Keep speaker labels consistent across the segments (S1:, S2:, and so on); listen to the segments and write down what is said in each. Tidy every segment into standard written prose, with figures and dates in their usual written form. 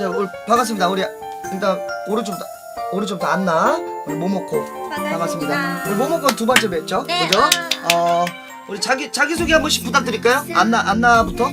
S1: 자, 우리 반갑습니다. 우리 일단 오른쪽부터 안나, 우리 모모코 반갑습니다. 우리 모모코 두 번째 뵙죠,
S2: 네.
S1: 그죠? 우리 자기 소개 한 번씩 부탁드릴까요? 안나부터.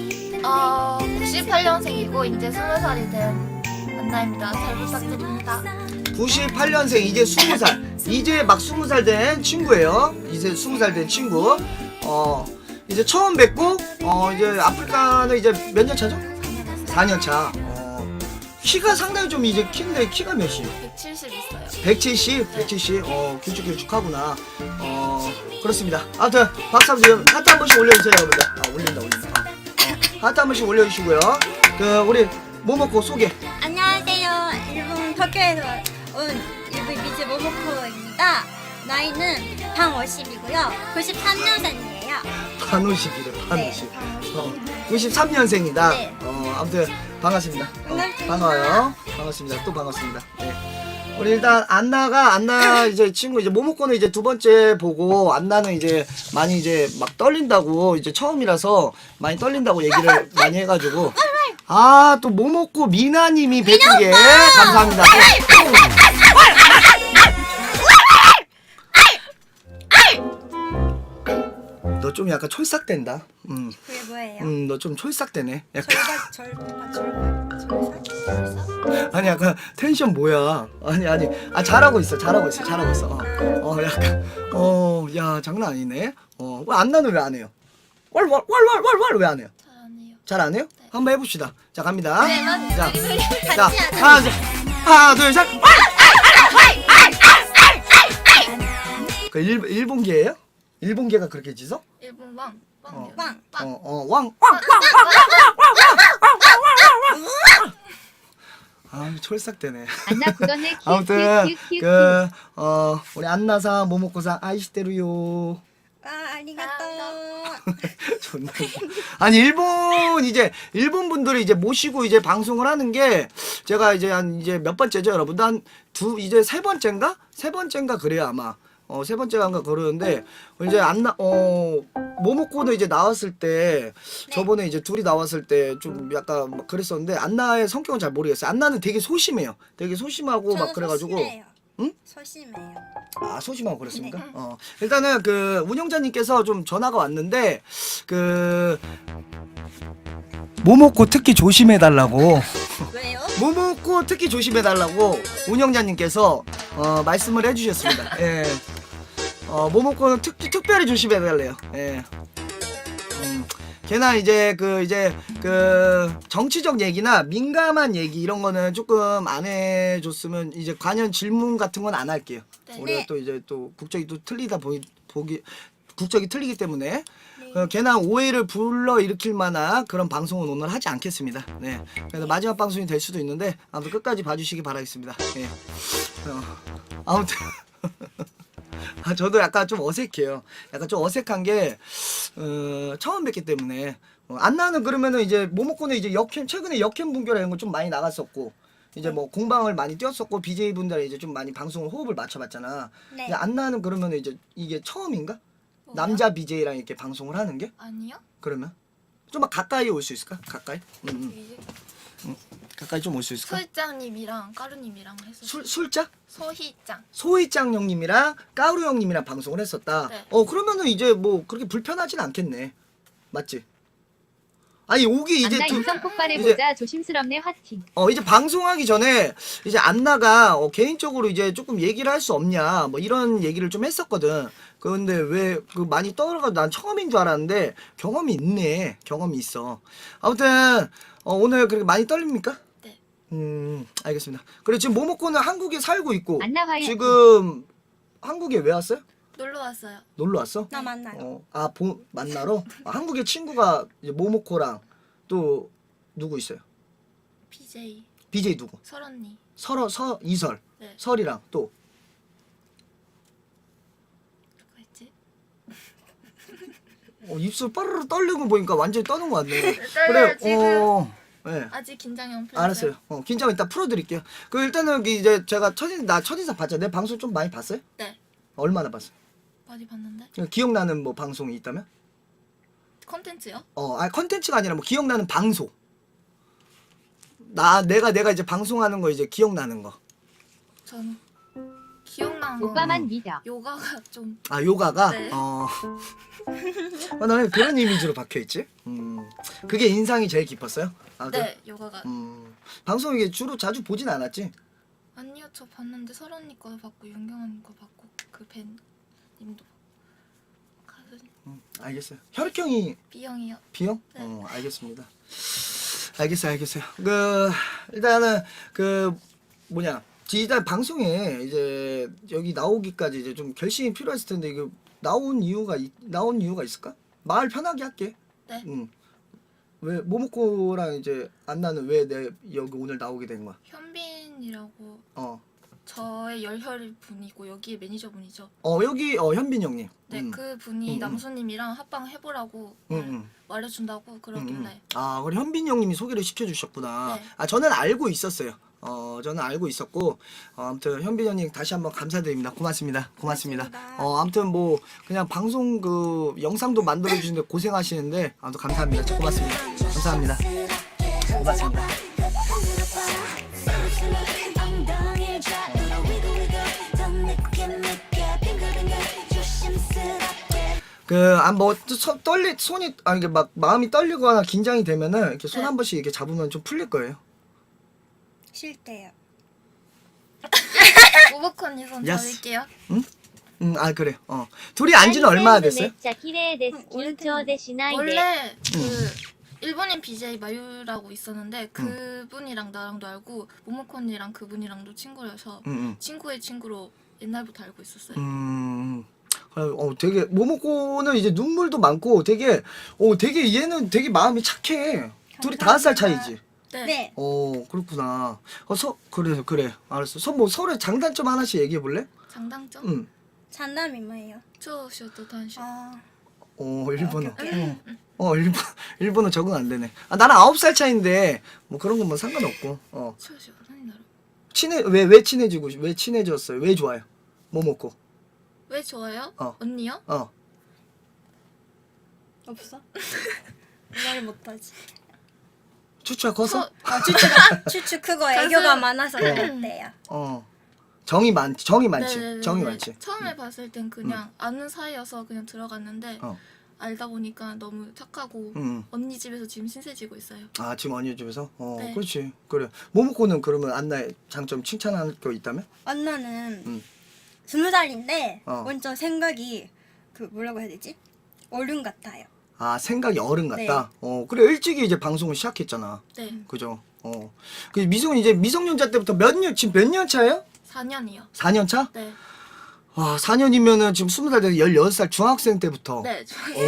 S2: 98년생이고 이제 20살이 된 안나입니다. 잘 부탁드립니다.
S1: 98년생 이제 20살. 이제 막 20살 된 친구예요. 이제 20살 된 친구. 이제 처음 뵙고 이제 아프리카는 이제 몇 년 차죠? 4년 차. 키가 상당히 좀 이제 키인데 키가 몇이에요?
S2: 170 있어요.
S1: 170? 170? 길쭉하구나. 그렇습니다. 아무튼 박수 한번 하트 한 번씩 올려주세요, 여러분들. 올린다. 하트 한 번씩 올려주시고요. 우리 모모코 소개.
S3: 안녕하세요. 일본 도쿄에서 온 일본 미즈 모모코입니다. 나이는 방50이고요. 93년생이에요.
S1: 반오십이래,
S3: 네,
S1: 반오십.
S3: 방50.
S1: 93년생이다.
S3: 네.
S1: 아무튼 반갑습니다.
S3: 반갑습니다.
S1: 반가워요. 반갑습니다. 또 반갑습니다. 네. 우리 일단 안나 이제 친구 이제 모모코는 이제 두 번째 보고 안나는 이제 많이 이제 막 떨린다고 이제 처음이라서 많이 떨린다고 얘기를 많이 해가지고 또 모모코 미나님이 뵙은 게 감사합니다. 너 좀 약간 촐싹된다.
S3: 그게 뭐예요?
S1: 너 좀 촐싹되네. 약간.
S3: 절삭?
S1: 아니 약간 텐션 뭐야? 아니 잘하고 있어. 약간 야 장난 아니네. 왜 안나는 왜 안 해요? 왈왈왈왈왈 왜 안 해요?
S2: 잘 안 해요.
S1: 잘 안 해요?
S2: 네.
S1: 한번 해봅시다. 자 갑니다.
S2: 네, 난
S1: 자 하나 둘 셋. 그 일본계예요? 일본계가 그렇게 짖어?
S2: 일본 왕.
S1: 어.
S2: 빵.
S1: 촐싹대네.
S4: 안나 구던의
S1: 아무튼
S4: 키읔
S1: 우리 안나상 모모코상 아이시테루요.
S3: 아리가또.
S1: 존나. 아니 일본 분들이 이제 모시고 이제 방송을 하는 게 제가 이제 이제 몇 번째죠, 여러분? 이제 세 번째인가 그래요 아마. 세 번째가 그러는데 이제 모모코는 이제 나왔을 때 저번에 이제 둘이 나왔을 때 좀 약간 막 그랬었는데 안나의 성격은 잘 모르겠어요. 안나는 되게 소심해요. 되게 소심하고 막 그래가지고.
S3: 소심해요.
S1: 응?
S3: 소심해요.
S1: 소심하고 그랬습니까?
S3: 네.
S1: 일단은 운영자님께서 좀 전화가 왔는데 모모코 특히 조심해달라고.
S3: 왜요?
S1: 모모코 특히 조심해달라고 운영자님께서 말씀을 해주셨습니다. 예. 모모코는 특별히 조심해달래요. 예. 걔나 이제 정치적 얘기나 민감한 얘기 이런 거는 조금 안 해줬으면 이제 관련 질문 같은 건 안 할게요.
S2: 네.
S1: 우리가 또 이제 또 국적이 또 틀리다 국적이 틀리기 때문에 걔나 오해를 불러 일으킬 만한 그런 방송은 오늘 하지 않겠습니다. 네. 그래서 마지막 방송이 될 수도 있는데 아무튼 끝까지 봐주시기 바라겠습니다. 네. 아무튼 저도 약간 좀 어색해요. 약간 좀 어색한 게 처음 뵙기 때문에 안나는 그러면은 이제 모모코는 이제 최근에 역캠 분결 이런 거 좀 많이 나갔었고 이제 뭐 공방을 많이 뛰었었고 BJ 분들 이제 좀 많이 방송을 호흡을 맞춰봤잖아.
S3: 네.
S1: 이제 안나는 그러면은 이제 이게 처음인가?
S2: 뭐요?
S1: 남자 BJ랑 이렇게 방송을 하는 게?
S2: 아니요?
S1: 그러면 좀만 가까이 올 수 있을까? 가까이?
S2: 이제
S1: 가까이 좀 올 수 있을까?
S2: 소희짱님이랑 까루님이랑 했었어요.
S1: 술자?
S2: 소희짱.
S1: 소희짱 형님이랑 까우루 형님이랑 방송을 했었다.
S2: 네.
S1: 그러면은 이제 뭐 그렇게 불편하진 않겠네. 맞지? 아니 오기 이제
S4: 안나
S1: 두-
S4: 인성 폭발해보자. 조심스럽네 화팅.
S1: 이제 방송하기 전에 이제 안나가 개인적으로 이제 조금 얘기를 할 수 없냐 뭐 이런 얘기를 좀 했었거든. 그런데 왜 많이 떠들어가지고 난 처음인 줄 알았는데 경험이 있네. 경험이 있어. 아무튼 오늘 그렇게 많이 떨립니까?
S2: 네.
S1: 알겠습니다. 그리고 지금 모모코는 한국에 살고 있고
S4: 안나 화이팅.
S1: 지금 한국에 왜 왔어요?
S2: 놀러 왔어요.
S1: 놀러 왔어?
S3: 나 만나요.
S1: 만나러? 한국에 친구가 이제 모모코랑 또 누구 있어요?
S2: BJ
S1: BJ 누구?
S2: 설언니.
S1: 이설.
S2: 네.
S1: 설이랑 또
S2: 누가 있지?
S1: 입술 빠르르 떨리는 거 보니까 완전히 떠는 거 같네.
S2: 떨려요, 지금.
S1: 네.
S2: 아직 긴장형 풀.
S1: 알았어요. 긴장 이따 풀어드릴게요. 일단은 이제 제가 첫인사 봤죠. 내 방송 좀 많이 봤어요?
S2: 네.
S1: 얼마나 봤어요?
S2: 많이 봤는데.
S1: 기억나는 뭐 방송이 있다면?
S2: 컨텐츠요?
S1: 컨텐츠가 아니라 뭐 기억나는 방송. 내가 이제 방송하는 거 이제 기억나는 거.
S2: 전 기억나는 거
S4: 오빠만 믿어.
S2: 요가가 좀
S1: 아 요가가
S2: 네.
S1: 나는 그런 이미지로 박혀 있지. 그게 인상이 제일 깊었어요. 아, 그래?
S2: 네, 요가가
S1: 방송 이게 주로 자주 보진 않았지.
S2: 아니요, 저 봤는데 설아 언니 거도 봤고 윤경 언니 거 봤고 그 벤 님도 가수
S1: 알겠어요. 혈액형이
S2: B형이요.
S1: B형?
S2: 네.
S1: 알겠습니다. 알겠어요. 그 일단은 그 뭐냐 일단 방송에 이제 여기 나오기까지 이제 좀 결심이 필요했을 텐데 이거 나온 이유가 있을까? 말 편하게 할게.
S2: 네.
S1: 왜 모모코랑 이제 안나는 왜 내 여기 오늘 나오게 된 거야?
S2: 현빈이라고
S1: 어
S2: 저의 열혈 분이고 여기에 매니저 분이죠.
S1: 여기 현빈 형님.
S2: 네, 그 분이
S1: 음.
S2: 남수님이랑 합방 해보라고 말해준다고 그러길래.
S1: 아, 그래 현빈 형님이 소개를 시켜주셨구나.
S2: 네.
S1: 아, 저는 알고 있었어요. 저는 알고 있었고, 아무튼 현빈 형님 다시 한번 감사드립니다. 고맙습니다. 아무튼 뭐 그냥 방송 그 영상도 만들어 주시는데 고생하시는데 아무튼 감사합니다. 고맙습니다. 감사합니다. 고맙습니다. 손이 이게 막 마음이 떨리거나 긴장이 되면은 이렇게 손
S2: 네.
S1: 한 번씩 이렇게 잡으면 좀 풀릴 거예요.
S3: 싫대요.
S2: 오버컨 언니 손
S1: 야스.
S2: 잡을게요.
S1: 아 그래. 둘이 안지는 얼마나 됐어요?
S2: 원래 그 일본인 BJ 마유라고 있었는데 그분이랑 나랑도 알고 모모코 언니랑 그분이랑도 친구여서 친구의 친구로 옛날부터 알고 있었어요.
S1: 되게 모모코는 이제 눈물도 많고 되게 얘는 되게 마음이 착해. 둘이 5살 차이지.
S2: 네.
S1: 그렇구나. 그래. 알았어. 뭐 서로 장단점 하나씩 얘기해 볼래?
S2: 장단점?
S3: 장담이 뭐예요?
S2: 초쇼도 단쇼.
S1: 일본어. 일본어 적응 안 되네. 아, 나랑 9살 차인데 뭐 그런 건 뭐 상관없고.
S2: 초쇼何だろう?
S1: 왜 친해졌어요? 왜 좋아요? 모모코.
S2: 왜 좋아요?
S1: 어.
S2: 언니요?
S3: 없어? 말 못하지.
S1: 추추가 커서?
S3: 추추 크고 애교가 많아서 그랬대요.
S1: 정이 많지.
S2: 네네네네.
S1: 정이 많지.
S2: 처음에 봤을 땐 그냥 아는 사이여서 그냥 들어갔는데 알다 보니까 너무 착하고 언니 집에서 지금 신세지고 있어요.
S1: 아, 지금 언니 집에서?
S2: 네.
S1: 그렇지. 그래. 모모코는 그러면 안나의 장점 칭찬할 거 있다면?
S3: 안나는 20살인데
S1: 어.
S3: 완전 생각이 그 뭐라고 해야 되지? 어른 같아요.
S1: 아, 생각이 어른 같다? 그래. 일찍이 이제 방송을 시작했잖아.
S2: 네.
S1: 그죠? 그 미성은 이제 미성년자 때부터 지금 몇 년 차예요?
S2: 4년이요.
S1: 4년 차?
S2: 네.
S1: 와, 4년이면은 지금 20살 돼서 16살 중학생 때부터.
S2: 네.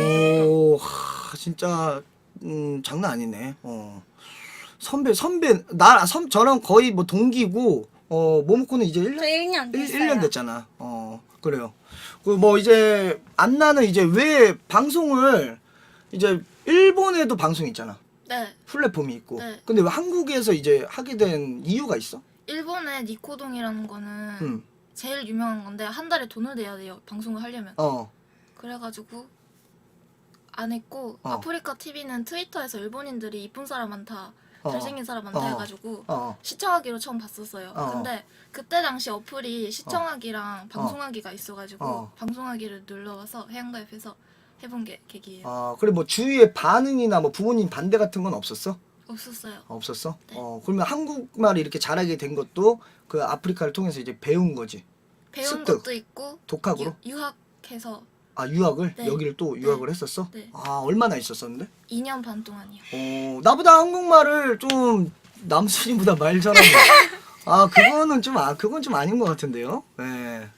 S1: 진짜 장난 아니네. 선배 저랑 거의 뭐 동기고 모모코는 이제
S3: 저 1년 됐어요.
S1: 1년 됐잖아. 그래요. 그 뭐 이제 안나는 이제 왜 방송을 이제 일본에도 방송이 있잖아.
S2: 네.
S1: 플랫폼이 있고.
S2: 네.
S1: 근데 왜 한국에서 이제 하게 된 이유가 있어?
S2: 일본의 니코동이라는 거는 제일 유명한 건데 한 달에 돈을 내야 돼요. 방송을 하려면. 그래가지고 안 했고 아프리카 TV는 트위터에서 일본인들이 이쁜 사람 많다. 잘생긴 사람 많다 해가지고 시청하기로 처음 봤었어요. 근데 그때 당시 어플이 시청하기랑 방송하기가 있어가지고 방송하기를 눌러와서 해양가입해서 해본 게 계기예요.
S1: 그래 뭐 주위의 반응이나 뭐 부모님 반대 같은 건 없었어?
S2: 없었어요.
S1: 없었어?
S2: 네.
S1: 그러면 한국말을 이렇게 잘하게 된 것도 그 아프리카를 통해서 이제 배운 거지.
S2: 배운
S1: 습득.
S2: 것도 있고
S1: 독학으로?
S2: 유학해서
S1: 유학을?
S2: 네.
S1: 여기를 또 유학을 했었어?
S2: 네.
S1: 얼마나 있었었는데? 2년
S2: 2년 반 동안이요.
S1: 나보다 한국말을 좀 남순이보다 말 잘하는 그건 좀 아닌 것 같은데요. 네.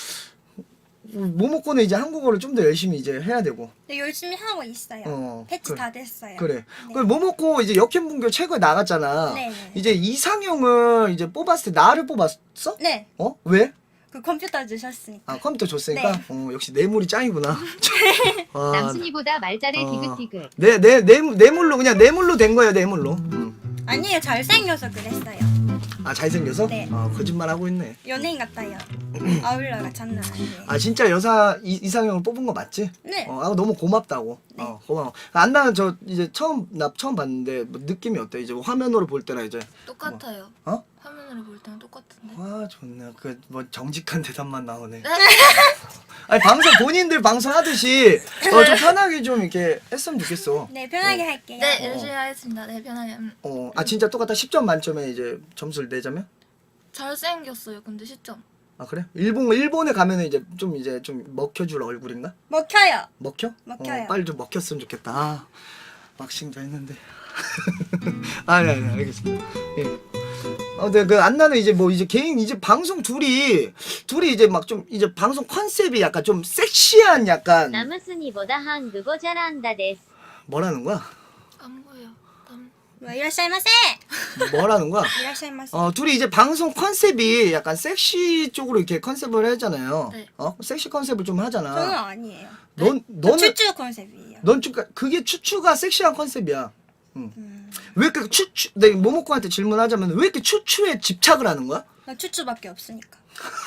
S1: 모모코는 이제 한국어를 좀 더 열심히 이제 해야 되고.
S3: 네, 열심히 하고 있어요. 패치
S1: 그래.
S3: 다 됐어요.
S1: 그래.
S3: 네.
S1: 그 모모코 이제 역행분교 최고에 나갔잖아.
S3: 네네.
S1: 이제 이상형을 이제 뽑았을 때 나를 뽑았어?
S3: 네,
S1: 왜?
S3: 그 컴퓨터 주셨으니까.
S1: 컴퓨터 줬으니까?
S3: 네.
S1: 역시 뇌물이 짱이구나.
S4: 남순이보다 말 잘해 디귿디귿.
S1: 뇌물로 그냥 뇌물로 된 거예요, 뇌물로.
S3: 아니에요, 잘생겨서 그랬어요.
S1: 잘생겨서?
S3: 네.
S1: 거짓말 하고 있네.
S3: 연예인 같아요. 아울러가 장난 아니에요.
S1: 아 진짜 여사 이상형을 뽑은 거 맞지?
S3: 네.
S1: 아 너무 고맙다고. 고마워. 안나는 저 이제 나 처음 봤는데 뭐 느낌이 어때? 이제 화면으로 볼 때나 이제
S2: 똑같아요.
S1: 뭐,
S2: 화면으로 볼 때는 똑같은데.
S1: 아 좋네. 그 뭐 정직한 대답만 나오네. 아니 방송 본인들 방송하듯이 좀 편하게 좀 이렇게 했으면 좋겠어.
S3: 네, 편하게 할게요.
S2: 네, 열심히 하겠습니다. 네, 편하게.
S1: 아 진짜 똑같다. 10점 만점에 이제 점수를 내자면?
S2: 잘생겼어요. 근데 시점.
S1: 아 그래? 일본에 가면은 이제 좀 먹혀줄 얼굴인가?
S3: 먹혀요.
S1: 먹혀?
S3: 먹혀요.
S1: 빨리 좀 먹혔으면 좋겠다. 아, 막싱도 했는데. 아니 알겠습니다. 예. 근데 그 안나는 이제 뭐 이제 개인 이제 방송 둘이 이제 막 좀 이제 방송 컨셉이 약간 좀 섹시한 약간
S4: 남순이보다 한국어 잘한다 데스.
S1: 뭐라는 거야?
S2: 안 보여.
S3: 뭐 이라샤이마세.
S1: 뭐라는 거야?
S3: 이라샤이마세.
S1: 둘이 이제 방송 컨셉이 약간 섹시 쪽으로 이렇게 컨셉을 하잖아요.
S2: 네.
S1: 섹시 컨셉을 좀
S3: 저는
S1: 하잖아.
S3: 아니에요.
S1: 너는
S3: 추추 컨셉이에요.
S1: 넌 그게 추추가 섹시한 컨셉이야. 왜 이렇게 내가 모모코한테 질문하자면 왜 이렇게 추추에 집착을 하는 거야?
S3: 나 추추밖에 없으니까.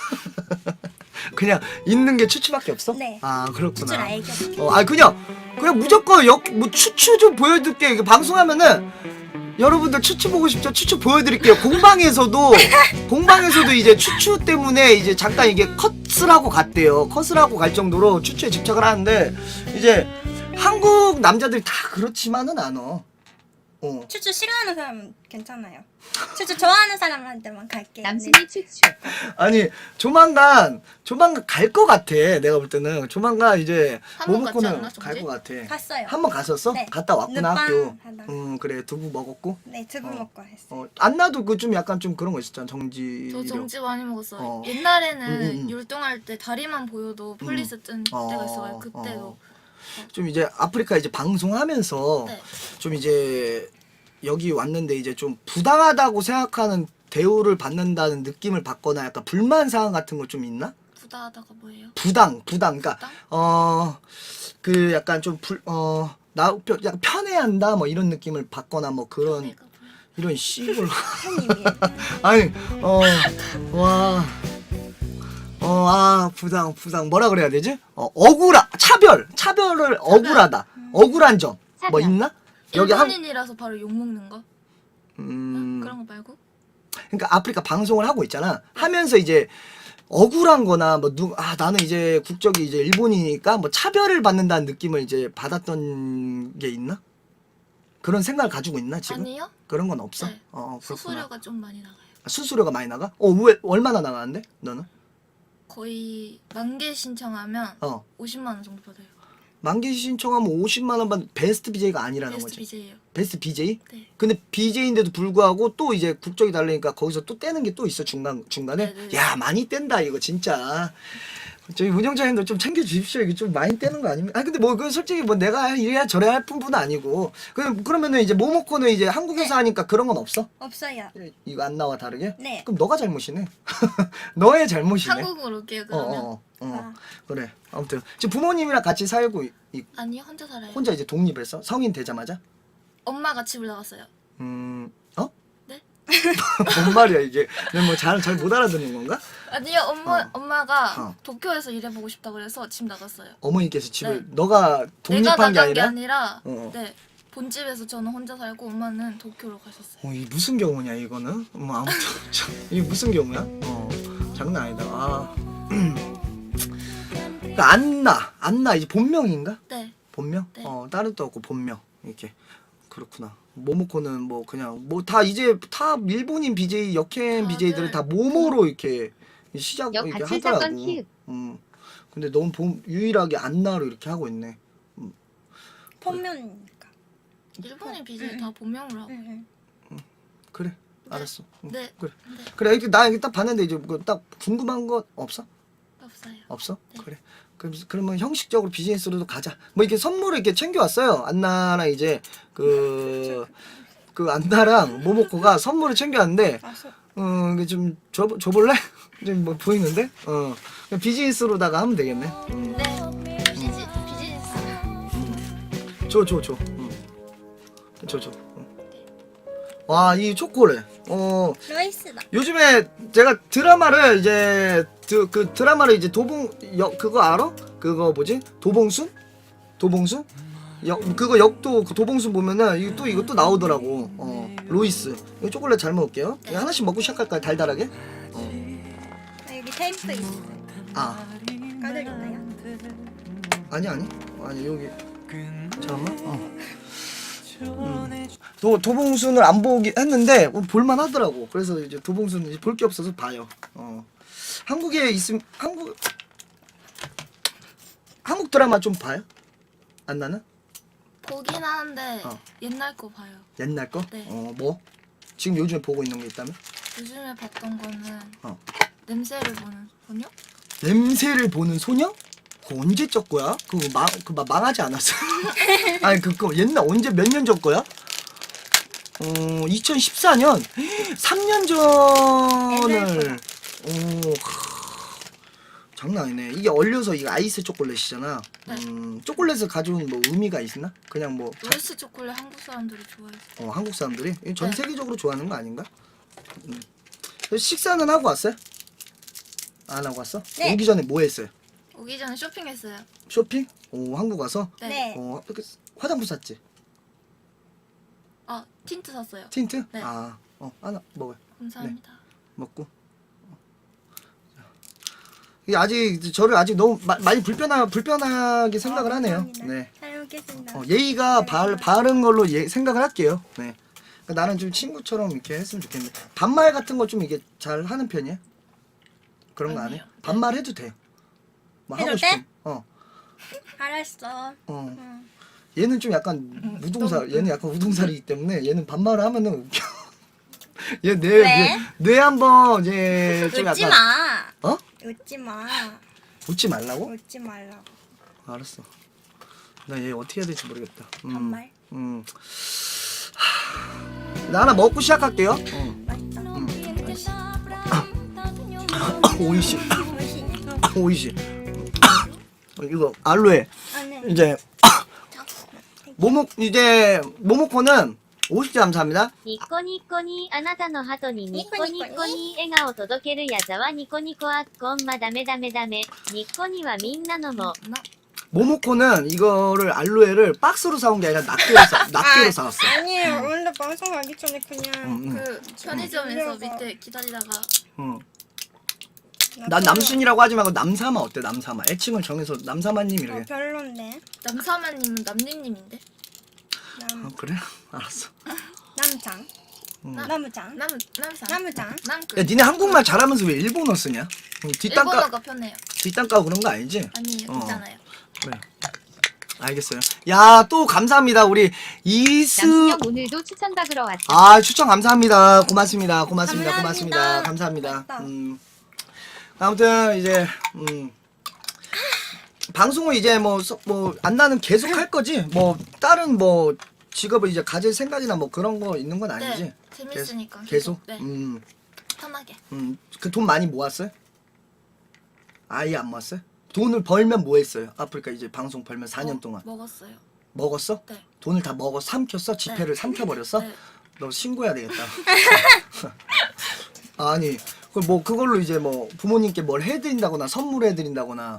S1: 그냥 있는 게 추추밖에 없어?
S3: 네.
S1: 아 그렇구나.
S3: 추추를 알게.
S1: 아니 그냥 무조건 뭐 추추 좀 보여줄게. 이게 방송하면은 여러분들 추추 보고 싶죠? 추추 보여드릴게요. 공방에서도 이제 추추 때문에 이제 잠깐 이게 컷을 하고 갔대요. 컷을 하고 갈 정도로 추추에 집착을 하는데 이제 한국 남자들이 다 그렇지만은 않아.
S3: 추추 싫어하는 사람은 괜찮아요. 추추 좋아하는 사람한테만 갈게요.
S4: 남순이 추추.
S1: 아니 조만간 갈 것 같아. 내가 볼 때는 조만간 이제
S2: 한번 갔지
S1: 모모코는
S2: 않나,
S1: 갈
S2: 정지?
S1: 것 같아.
S3: 갔어요.
S1: 한 번 갔었어?
S3: 네.
S1: 갔다 왔구나
S3: 늦밤
S1: 학교.
S3: 하다가.
S1: 그래 두부 먹었고.
S3: 네, 두부 먹고 했어요.
S1: 안나도 그 좀 약간 좀 그런 거 있었잖아. 정지.
S2: 저 정지 많이 먹었어요.
S1: 음.
S2: 옛날에는 율동할 때 다리만 보여도 폴리스 뜬 때가 있어요. 그때도.
S1: 좀 이제 아프리카 이제 방송하면서
S2: 네.
S1: 좀 이제 여기 왔는데 이제 좀 부당하다고 생각하는 대우를 받는다는 느낌을 받거나 약간 불만 사항 같은 거 좀 있나?
S2: 부다하다가 뭐예요?
S1: 부당 그러니까
S2: 부당?
S1: 그 약간 좀 약간 편애한다 뭐 이런 느낌을 받거나 뭐 그런
S2: 내가 뭐야?
S1: 이런 씨발
S3: 팬님이에요.
S1: 아니 부당 뭐라 그래야 되지? 차별을 억울하다. 억울한 점 뭐
S4: 차별.
S1: 있나? 여기
S2: 일본인이라서 바로 욕 먹는 거? 그런 거 말고?
S1: 그러니까 아프리카 방송을 하고 있잖아. 하면서 이제 억울한 거나 뭐 나는 이제 국적이 이제 일본이니까 뭐 차별을 받는다는 느낌을 이제 받았던 게 있나? 그런 생각을 가지고 있나 지금?
S2: 아니요.
S1: 그런 건 없어?
S2: 네.
S1: 그렇구나.
S2: 수수료가 좀 많이 나가요.
S1: 수수료가 많이 나가? 왜 얼마나 나가는데? 너는?
S2: 거의 10,000개 신청하면 50만 원 정도 받아요.
S1: 만기 신청하면 50만 원 받는 베스트 BJ가 아니라는
S2: 베스트
S1: 거지.
S2: BJ예요.
S1: 베스트 BJ?
S2: 네.
S1: 근데 BJ인데도 불구하고 또 이제 국적이 다르니까 거기서 또 떼는 게 또 있어 중간에.
S2: 네네.
S1: 야 많이 뗀다 이거 진짜. 저희 운영자님들 좀 챙겨주십시오. 이게 좀 많이 떼는 거 아닙니까? 근데 뭐 그 솔직히 뭐 내가 이래야 저래야 할 뿐은 아니고. 그러면은 이제 모모코는 이제 한국에서 하니까 그런 건 없어?
S3: 없어요.
S1: 이거 안 나와 다르게?
S3: 네.
S1: 그럼 너가 잘못이네. 너의 잘못이네.
S2: 한국으로 올게요 그러면.
S3: 아.
S1: 그래. 아무튼 지금 부모님이랑 같이 살고
S2: 아니요 혼자 살아요.
S1: 혼자 이제 독립했어? 성인 되자마자?
S2: 엄마가 집을 나갔어요.
S1: 네? 뭔 말이야 이게? 내가 뭐 잘 못 알아듣는 건가?
S2: 아니요 엄마가
S1: 어.
S2: 도쿄에서 일해보고 싶다 그래서 집 나갔어요.
S1: 어머니께서 집을
S2: 네.
S1: 너가
S2: 내가
S1: 독립한 게
S2: 나간 게
S1: 아니라?
S2: 아니라 네 본집에서 저는 혼자 살고 엄마는 도쿄로 가셨어요.
S1: 이 무슨 경우냐 이거는? 뭐 아무튼 참, 이게 무슨 경우야? 장난 아니다. 그러니까 안나 이제 본명인가?
S2: 네.
S1: 본명?
S2: 네.
S1: 다른 도 없고 본명 이렇게 그렇구나. 모모코는 뭐 그냥 뭐 다 이제 다 일본인 BJ 역행
S2: 다들
S1: BJ들은 다 모모로 이렇게 시작
S4: 역
S1: 이렇게
S4: 가출
S1: 하더라고.
S4: 사건 키읔.
S1: 근데 너무 유일하게 안나로 이렇게 하고 있네.
S3: 본면이니까.
S2: 일본인 BJ 다 본명으로 하고.
S1: 그래. 알았어.
S2: 네.
S1: 그래.
S2: 네.
S1: 그래. 이렇게 나 이렇게 딱 봤는데 이제 뭐 딱 궁금한 거 없어?
S2: 없어요.
S1: 없어?
S2: 네.
S1: 그래. 그러면 형식적으로 비즈니스로도 가자. 뭐 이렇게 선물을 이렇게 챙겨왔어요. 안나랑 이제 그 안나랑 모모코가 선물을 챙겨왔는데, 이게 좀 줘볼래? 좀 뭐 보이는데? 그냥 비즈니스로다가 하면 되겠네.
S2: 네. 비즈니스.
S1: 줘. 와, 이 초콜릿.
S3: 러이스다.
S1: 요즘에 제가 드라마를 이제 그 드라마를 이제 그거 알아? 그거 뭐지? 도봉순? 그거 역도 그 도봉순 보면은 이거 또 나오더라고. 로이스. 이거 초콜릿 잘 먹을게요. 이거 하나씩 먹고 시작할까요? 달달하게?
S3: 여기 테이프 있어.
S1: 아
S3: 까드릴까요?
S1: 아니 여기 잠깐만. 도봉순을 안 보기 했는데 볼만 하더라고. 그래서 이제 도봉순 볼 게 없어서 봐요. 한국에 있음 한국 드라마 좀 봐요? 안 나는?
S2: 보긴 하는데 옛날 거 봐요.
S1: 옛날 거?
S2: 네.
S1: 뭐? 지금 요즘에 보고 있는 게 있다면?
S2: 요즘에 봤던 거는
S1: 어.
S2: 냄새를 보는 소녀?
S1: 냄새를 보는 소녀? 그거 언제적 거야? 그거 망하지 않았어? 아니 그거 옛날 언제 몇 년 전 거야? 2014년 3년 전을 장난 아니네. 이게 얼려서 이게 아이스 초콜릿이잖아. 초콜릿을 가져온 뭐 의미가 있나? 그냥 뭐
S2: 로이스 초콜릿 한국 사람들이 좋아해서.
S1: 한국 사람들이 이거 전
S2: 네.
S1: 세계적으로 좋아하는 거 아닌가? 식사는 하고 왔어요? 안 하고 왔어?
S3: 네.
S1: 오기 전에 뭐 했어요?
S2: 오기 전에 쇼핑했어요.
S1: 쇼핑? 한국 와서?
S3: 네.
S1: 이렇게 화장품 샀지?
S2: 틴트 샀어요.
S1: 틴트?
S2: 네.
S1: 하나 먹어요.
S2: 감사합니다.
S1: 먹고. 이게 아직 저를 아직 너무 많이 불편하게 생각을 하네요.
S3: 감사합니다.
S1: 네.
S3: 잘 먹겠습니다.
S1: 예의가 바른 걸로 생각을 할게요. 네. 그러니까 나는 좀 친구처럼 이렇게 했으면 좋겠는데 반말 같은 거 좀 이게 잘 하는 편이야? 그런 거 안 해?
S2: 아니에요.
S1: 반말 해도 돼. 뭐 하고
S3: 해도
S1: 싶으면.
S3: 알았어.
S1: 얘는 좀 약간 얘는 약간 우동살이기 때문에 얘는 반말을 하면은 웃겨.
S3: 왜?
S1: 뇌 한번 이제 좀
S3: 웃지
S1: 약간
S3: 마.
S1: 어?
S3: 웃지 마.
S1: 웃지 말라고?
S3: 웃지 말라고.
S1: 알았어. 나 얘 어떻게 해야 될지 모르겠다.
S3: 반말.
S1: 나 하나 먹고 시작할게요. 오이시. 오이시. 이거 알로에. 이제 모모코는 50개 감사합니다.
S4: ニコニコにあなたの鳩にニコニコに笑顔届けるやざわニコニコあっこんまダメダメダメニコにはみんなのも
S1: 모모코는 이거를 알로에를 박스로 사온 게 아니라 낱개로 사왔어.
S3: 아니에요. 원래 방송 하기 전에 그냥
S2: 그 편의점에서 밑에 기다리다가
S1: 난 남순이라고 하지 말고 남사마 어때? 남사마. 애칭을 정해서 남사마님 이렇게.
S3: 별론데.
S2: 남사마님은 남님님인데?
S1: 그래? 알았어.
S3: 남장. 나무장.
S2: 남사.
S3: 나무장.
S2: 남그.
S1: 야 니네 한국말 잘하면서 왜 일본어 쓰냐? 뒷담가
S2: 일본어가 편해요.
S1: 뒷담가 그런 거 아니지?
S2: 아니에요. 괜찮아요.
S1: 그래. 알겠어요. 야 또 감사합니다 우리 이스.
S4: 남순영 오늘도 추천 받으러 왔어.
S1: 추천 감사합니다. 고맙습니다. 고맙습니다.
S3: 감사합니다.
S1: 감사합니다.
S3: 고맙다.
S1: 아무튼 이제 방송을 이제 뭐 안나는 계속 할 거지. 뭐 다른 뭐 직업을 이제 가질 생각이나 뭐 그런 거 있는 건 아니지.
S2: 네. 재밌으니까.
S1: 계속.
S2: 네. 편하게.
S1: 그 돈 많이 모았어요? 아예 안 모았어요? 돈을 벌면 뭐 했어요? 아프리카 이제 방송 벌면 4년 동안
S2: 먹었어요.
S1: 먹었어?
S2: 네.
S1: 돈을 다 삼켰어? 지폐를
S2: 네.
S1: 삼켜버렸어?
S2: 네.
S1: 너 신고해야 되겠다. 아니 그걸로 이제 뭐 부모님께 뭘 해드린다거나 선물해드린다거나.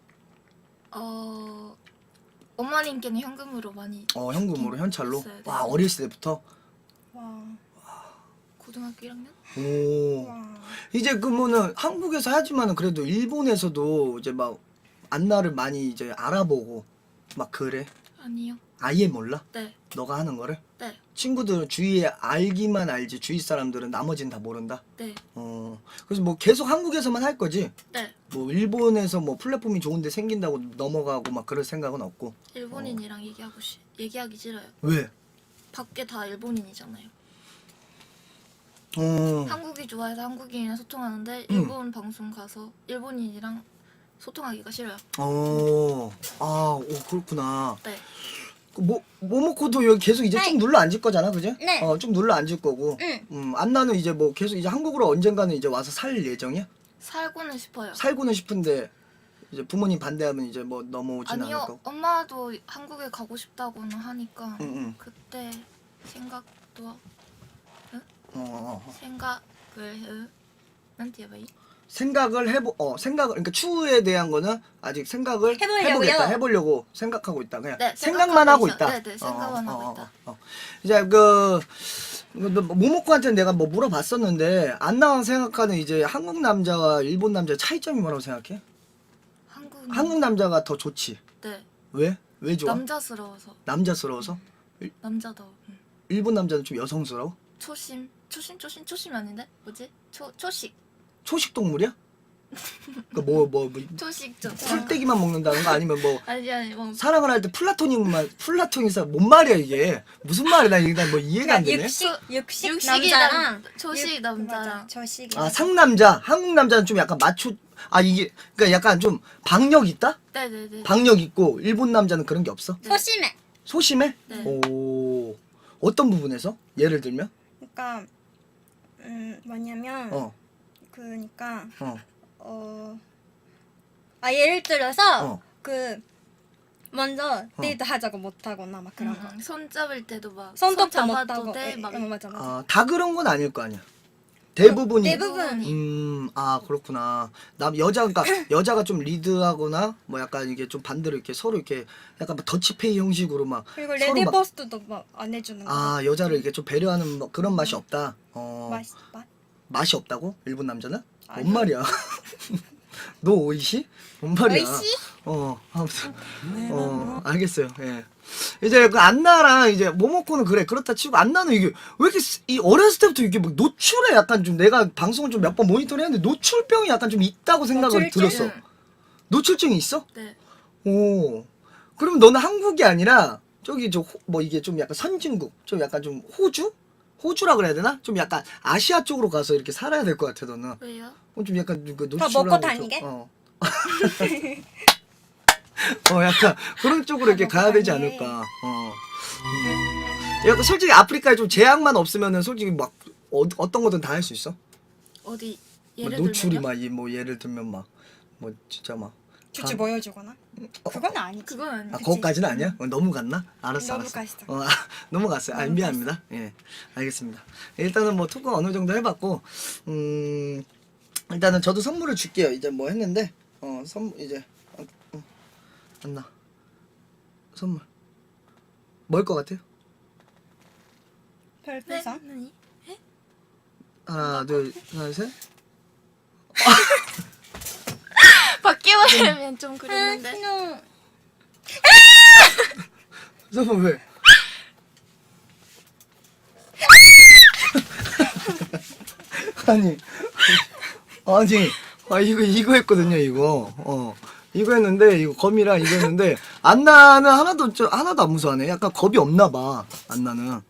S2: 어머님께는 현금으로 많이.
S1: 현금으로 현찰로?
S2: 했어요. 네.
S1: 와 어렸을 때부터?
S3: 와.
S2: 고등학교 1학년?
S1: 오.
S3: 와.
S1: 이제 그러면은 한국에서 하지만은 그래도 일본에서도 이제 막 안나를 많이 이제 알아보고 막 그래?
S2: 아니요.
S1: 아예 몰라?
S2: 네.
S1: 너가 하는 거를?
S2: 네.
S1: 친구들 주위에 알기만 알지 주위 사람들은 나머지는 다 모른다?
S2: 네.
S1: 그래서 뭐 계속 한국에서만 할 거지?
S2: 네.
S1: 뭐 일본에서 뭐 플랫폼이 좋은데 생긴다고 넘어가고 막 그럴 생각은 없고.
S2: 일본인이랑 얘기하기 싫어요.
S1: 왜?
S2: 밖에 다 일본인이잖아요.
S1: 어.
S2: 한국이 좋아해서 한국인이랑 소통하는데 일본 방송 가서 일본인이랑 소통하기가 싫어요.
S1: 그렇구나.
S2: 네.
S1: 모모코도 여기 계속 이제 쭉 눌러 앉을 거잖아, 그지?
S3: 네.
S1: 쭉 눌러 앉을 거고.
S3: 응.
S1: 안나는 이제 뭐 계속 이제 한국으로 언젠가는 이제 와서 살 예정이야?
S2: 살고는 싶어요.
S1: 살고는 싶은데 이제 부모님 반대하면 이제 뭐 넘어오진 않을
S2: 아니요.
S1: 거고.
S2: 엄마도 한국에 가고 싶다고는 하니까
S1: 응.
S2: 그때 생각도
S1: 생각
S2: 생각을 난띠 해봐이
S1: 생각을 그러니까 추후에 대한 거는 아직 생각을
S3: 해보려고요.
S1: 해보려고 생각하고 있다. 그냥
S2: 네,
S1: 생각만 하고 있다.
S2: 네네, 생각만 하고 있다.
S1: 이제 모모코한테 내가 뭐 물어봤었는데 안나가 생각하는 이제 한국 남자와 일본 남자의 차이점이 뭐라고 생각해? 한국 남자가 더 좋지.
S2: 네.
S1: 왜? 왜 좋아?
S2: 남자스러워서.
S1: 남자스러워서?
S2: 남자다워.
S1: 일본 남자는 좀 여성스러워?
S2: 초심이 아닌데? 뭐지? 초식.
S1: 초식 동물이야? 그 뭐
S2: 초식죠.
S1: 풀떼기만 먹는다는 거 아니면 뭐
S2: 아니 뭐
S1: 사랑을 할 때 플라토닉사 뭔 말이야 이게 무슨 말이야 나 일단 뭐 이해가 안 되네.
S3: 육식 남자랑
S2: 초식 남자랑
S3: 맞아, 저식.
S1: 아 상남자 한국 남자는 좀 약간 마초 이게 그러니까 약간 좀 박력 있다?
S2: 네네네.
S1: 박력 있고 일본 남자는 그런 게 없어?
S3: 소심해.
S1: 소심해?
S2: 네.
S1: 오 어떤 부분에서? 예를 들면?
S3: 그러니까 뭐냐면 그러니까 예를 들어서 먼저 데이트 하자고 못 하거나 막 그런 거.
S2: 손 잡을 때도 막
S3: 손톱도 못
S2: 잡아도
S3: 하고.
S2: 돼. 막
S3: 맞아.
S1: 다 그런 건 아닐 거 아니야. 대부분이.
S3: 대부분.
S1: 그렇구나. 그러니까 여자가 좀 리드하거나 뭐 약간 이게 좀 반대로 이렇게 서로 이렇게 약간 뭐 더치페이 형식으로 막
S3: 그리고
S1: 서로 막
S3: 레디버스도 막 안 해주는 거.
S1: 여자를 이렇게 좀 배려하는 뭐 그런 맛이 없다. 맛이 없다고? 일본 남자는?
S3: 아니.
S1: 뭔 말이야? 너 오이시? 뭔 말이야?
S3: 오이시?
S1: 아무튼 알겠어요. 예. 이제 그 안나랑 이제 모모코는 그렇다 치고 안나는 이게 왜 이렇게 이 어렸을 때부터 이게 막 노출에 약간 좀 내가 방송을 좀 몇 번 모니터링했는데 노출병이 약간 좀 있다고 생각을
S3: 노출증?
S1: 들었어. 노출증이 있어?
S2: 네.
S1: 오. 그러면 너는 한국이 아니라 저기 뭐 이게 좀 약간 선진국, 좀 약간 좀 호주라 그래야 되나? 좀 약간 아시아 쪽으로 가서 이렇게 살아야 될 것 같아 너는.
S2: 왜요?
S1: 좀 약간 그
S3: 더
S1: 노출하고
S3: 먹고 다니게?
S1: 약간 그런 쪽으로 이렇게
S3: 먹고
S1: 가야 되지
S3: 다니게.
S1: 않을까. 약간 솔직히 아프리카에 좀 제약만 없으면은 솔직히 막 어떤 거든 다 할 수 있어.
S2: 어디
S1: 뭐
S2: 예를
S1: 노출이
S2: 들면요?
S1: 뭐 예를 들면 막 뭐 진짜 막
S3: 쭈쭈 보여주거나. 그건 아니지.
S2: 그건 아니지.
S1: 거기까지는 아니야? 너무 갔나? 알았어.
S3: 너무 갔어.
S1: 넘어갔어요.
S3: 너무
S1: 미안합니다. 예, 알겠습니다. 일단은 뭐 토크 어느 정도 해봤고, 일단은 저도 선물을 줄게요. 이제 뭐 했는데, 이제 안나 선물 뭘 것 같아요?
S3: 별풍선.
S2: 네?
S1: 하나, 둘, 셋.
S2: 바뀌어버리면 좀 그랬는데.
S1: 선물 왜? 이거 했거든요. 이거 했는데 이거 검이랑 이거 했는데 안나는 하나도 안 무서워하네. 약간 겁이 없나 봐. 안나는.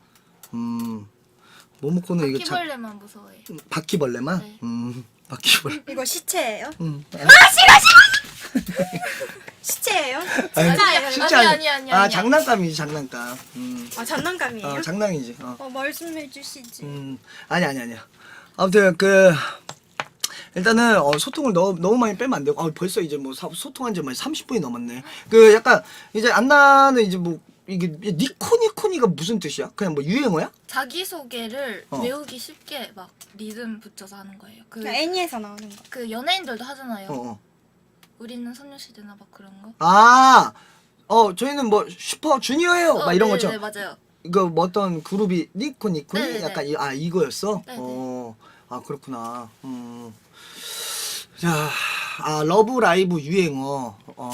S1: 모모코는 이거
S2: 바퀴벌레만 무서워해요.
S1: 바퀴벌레만?
S2: 네.
S1: 바퀴벌레.
S3: 이거 시체예요?
S1: 싫어.
S3: 시체예요?
S1: 진짜
S2: 아니.
S1: 장난감이지 장난감.
S3: 장난감이에요?
S1: 장난이지.
S3: 말씀해 주시지.
S1: 아니야. 아무튼 일단은 소통을 너무 많이 빼면 안 되고 벌써 이제 뭐 소통한 지 30분이 넘었네. 약간 이제 안나는 이제 뭐 이게 니코니코니가 무슨 뜻이야? 그냥 뭐 유행어야?
S2: 자기소개를 외우기 쉽게 막 리듬 붙여서 하는 거예요.
S3: 애니에서 나오는 거.
S2: 그 연예인들도 하잖아요. 우리는 소녀시대나 막 그런 거.
S1: 저희는 뭐 슈퍼 주니어예요. 막 이런 거죠.
S2: 네, 맞아요.
S1: 이거 뭐 어떤 그룹이 니코니코니
S2: 네네네.
S1: 약간 이거였어?
S2: 네네.
S1: 그렇구나. 자, 러브 라이브 유행어.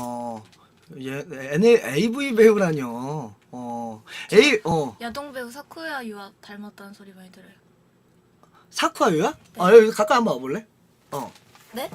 S1: AV 배우라뇨.
S2: 야동 배우 사쿠야 유아 닮았다는 소리 많이 들어요.
S1: 사쿠아유야?
S2: 네.
S1: 여기 가까이 한번 와볼래?
S2: 네?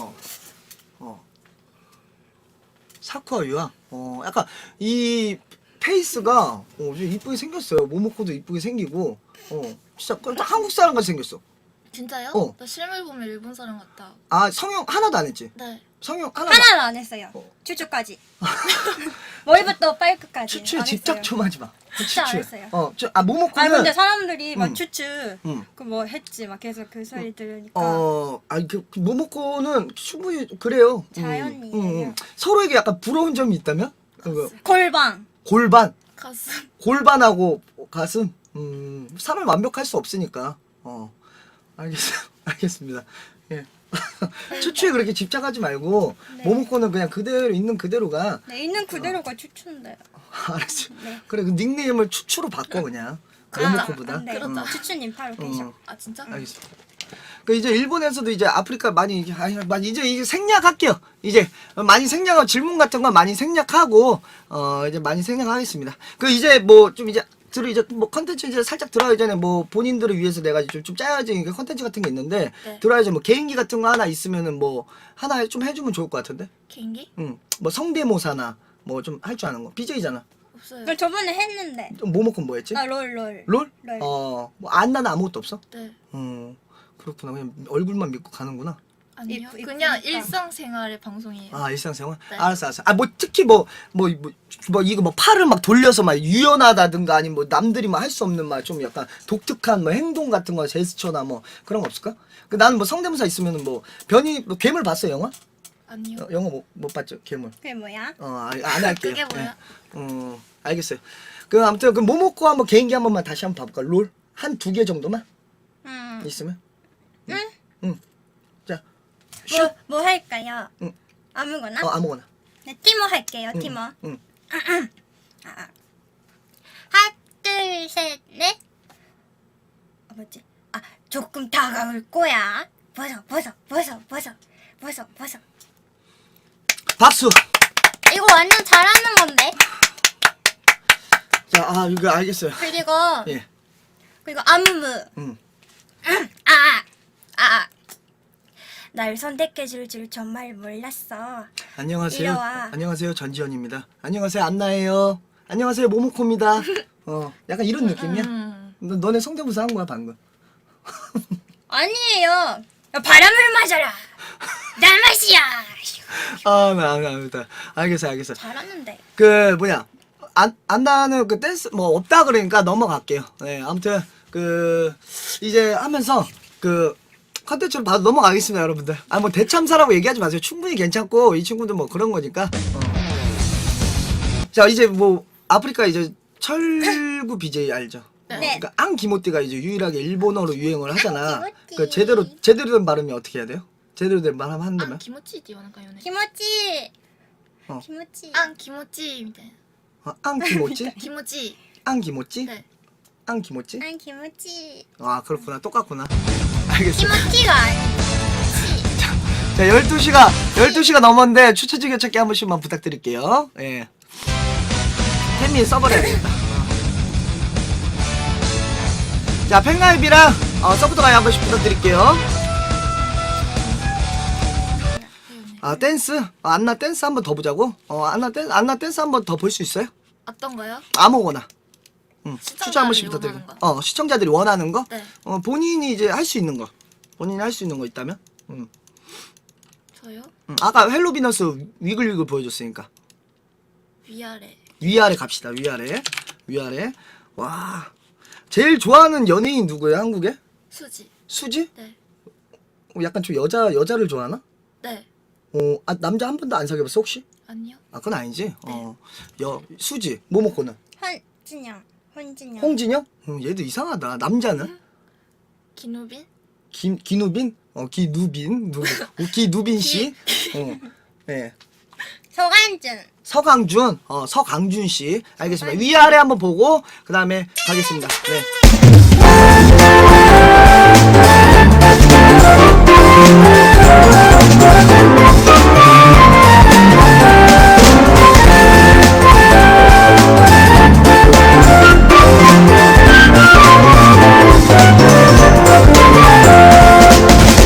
S1: 사쿠아유야. 약간 이 페이스가 좀 이쁘게 생겼어요. 모모코도 이쁘게 생기고, 진짜 한국 사람 같이 생겼어.
S2: 진짜요? 나 실물 보면 일본 사람 같다.
S1: 성형 하나도 안 했지?
S2: 네.
S1: 성형 하나도
S3: 하나는 안 했어요. 추추까지. 머리부터 발끝까지.
S1: 추추에
S3: 안
S1: 집착
S3: 했어요.
S1: 좀 하지 마.
S3: 진짜 안
S1: 추추에.
S3: 했어요.
S1: 모모코는
S3: 근데 사람들이 막 추추
S1: 응.
S3: 그 뭐 했지 막 계속 그 소리 들으니까
S1: 그 모모코는 충분히 그래요.
S3: 자연이에요.
S1: 서로에게 약간 부러운 점이 있다면?
S3: 골방.
S2: 가슴.
S1: 골반하고 가슴. 사람 완벽할 수 없으니까. 알겠습니다. 예. 추추에 그렇게 집착하지 말고
S3: 네.
S1: 모모코는 그냥 그대로 있는 그대로가.
S3: 네, 있는 그대로가 추추인데.
S1: 알았어.
S3: 네.
S1: 그래 그 닉네임을 추추로 바꿔 그냥. 모모코보다.
S3: 네.
S2: 그렇다.
S3: 추추님 바로 계셔.
S2: 아 진짜?
S1: 알겠어. 그 이제 일본에서도 이제 아프리카 많이 이제 생략할게요. 이제 많이 생략하고 질문 같은 거 많이 생략하고 이제 많이 생략하겠습니다. 그 이제 뭐 좀 이제 뭐 컨텐츠 이제 살짝 들어가기 전에 뭐 본인들을 위해서 내가 좀 짜야지 컨텐츠 같은 게 있는데
S2: 네.
S1: 들어야지 뭐 개인기 같은 거 하나 있으면은 뭐 하나 좀 해주면 좋을 것 같은데.
S2: 개인기?
S1: 응. 뭐 성대모사나 뭐 좀 할 줄 아는 거. BJ잖아.
S2: 없어요.
S3: 나 저번에 했는데.
S1: 뭐 먹고 뭐 했지?
S3: 아, 롤.
S1: 롤?
S3: 롤.
S1: 뭐 안나는 아무것도 없어?
S2: 네.
S1: 그렇구나. 그냥 얼굴만 믿고 가는구나.
S2: 아니요.
S3: 이쁘니까.
S2: 그냥 일상생활의 방송이에요.
S1: 아 일상생활?
S2: 네.
S1: 알았어. 아 뭐 특히 뭐 이거 뭐 팔을 막 돌려서 막 유연하다든가 아니면 뭐 남들이 막 할 수 없는 막 좀 약간 독특한 뭐 행동 같은 거 제스처나 뭐 그런 거 없을까? 그 나는 뭐 성대모사 있으면은 뭐 변이 뭐 괴물 봤어 영화?
S2: 아니요.
S1: 영화 못 봤죠 괴물.
S3: 그게 뭐야?
S1: 안 할게요.
S2: 그게 뭐야?
S1: 네. 알겠어요. 그 아무튼 그 모모코 한번 개인기 한 번만 다시 한번 봐볼까? 롤 한 2개 정도만 있으면? 응. 자. 슛.
S3: 뭐 할까요?
S1: 응.
S3: 아무거나?
S1: 아무거나.
S3: 네, 티모 할게요. 티모.
S1: 응.
S3: 하나, 둘, 셋, 넷. 뭐지? 조금 다가올 거야. 벗어.
S1: 박수.
S3: 이거 완전 잘하는 건데.
S1: 자, 이거 알겠어요.
S3: 그리고
S1: 예.
S3: 아무무.
S1: 응.
S3: 날 선택해줄 줄 정말 몰랐어.
S1: 안녕하세요.
S3: 이리 와.
S1: 안녕하세요. 전지현입니다. 안녕하세요. 안나예요. 안녕하세요. 모모코입니다. 약간 이런 느낌이야? 너네 성대모사 한 거야 방금?
S3: 아니에요. 야, 바람을 맞아라. 날 맛이야.
S1: 나 알겠어.
S3: 잘하는데.
S1: 그 뭐냐? 안나는 그 댄스 뭐 없다 그러니까 넘어갈게요. 네, 아무튼 그 이제 하면서 그 컨텐츠로 바로 넘어가겠습니다, 여러분들. 뭐 대참사라고 얘기하지 마세요. 충분히 괜찮고 이 친구도 뭐 그런 거니까. 자, 이제 뭐 아프리카 이제 철구 BJ 알죠?
S3: 네.
S1: 그러니까 앙기모띠가 이제 유일하게 일본어로 유행을 하잖아.
S3: 앙기모띠.
S1: 그 제대로 된 발음이 어떻게 해야 돼요? 제대로 된 발음 한다면?
S2: 기모찌 띠오는가요?
S3: 키모치.
S1: 어.
S3: 키모치.
S2: 기모찌みたい
S1: 앙기모찌?
S2: 기모찌.
S1: 앙기모찌?
S2: 네.
S1: 앙기모찌?
S3: 키모치.
S1: 그렇구나. 똑같구나. 알겠어.
S3: 키모치가
S1: 자, 12시가 넘었는데 추천 즐겨찾기 한 번씩만 부탁드릴게요. 예. 팬미 써버려야 되겠다. 자, 팬가입이랑 서브도 가입 한 번씩 부탁드릴게요. 댄스? 안나 댄스 한 번 더 보자고? 안나 댄스 한 번 더 볼 수 있어요?
S2: 어떤가요?
S1: 아무거나.
S2: 시청자들이
S1: 추천 한 번씩
S2: 원하는
S1: 부탁드릴게요. 시청자들이 원하는 거?
S2: 네.
S1: 본인이 이제 할 수 있는 거. 본인이 할 수 있는 거 있다면?
S2: 저요?
S1: 아까 헬로비너스 위글위글 보여줬으니까.
S2: 위아래.
S1: 위아래 갑시다. 위아래. 와. 제일 좋아하는 연예인 누구예요? 한국에?
S2: 수지.
S1: 수지?
S2: 네.
S1: 약간 좀 여자를 좋아하나?
S2: 네.
S1: 남자 한 번도 안 사귀어봤어 혹시?
S2: 아니요.
S1: 그건 아니지. 수지. 모모코는?
S3: 혼진영.
S1: 홍진영? 얘도 이상하다. 남자는?
S2: 기누빈?
S1: 기누빈? 기누빈 씨? 네.
S3: 서간준.
S1: 서강준 씨. 알겠습니다. 위아래 한번 보고 그 다음에 가겠습니다. 네.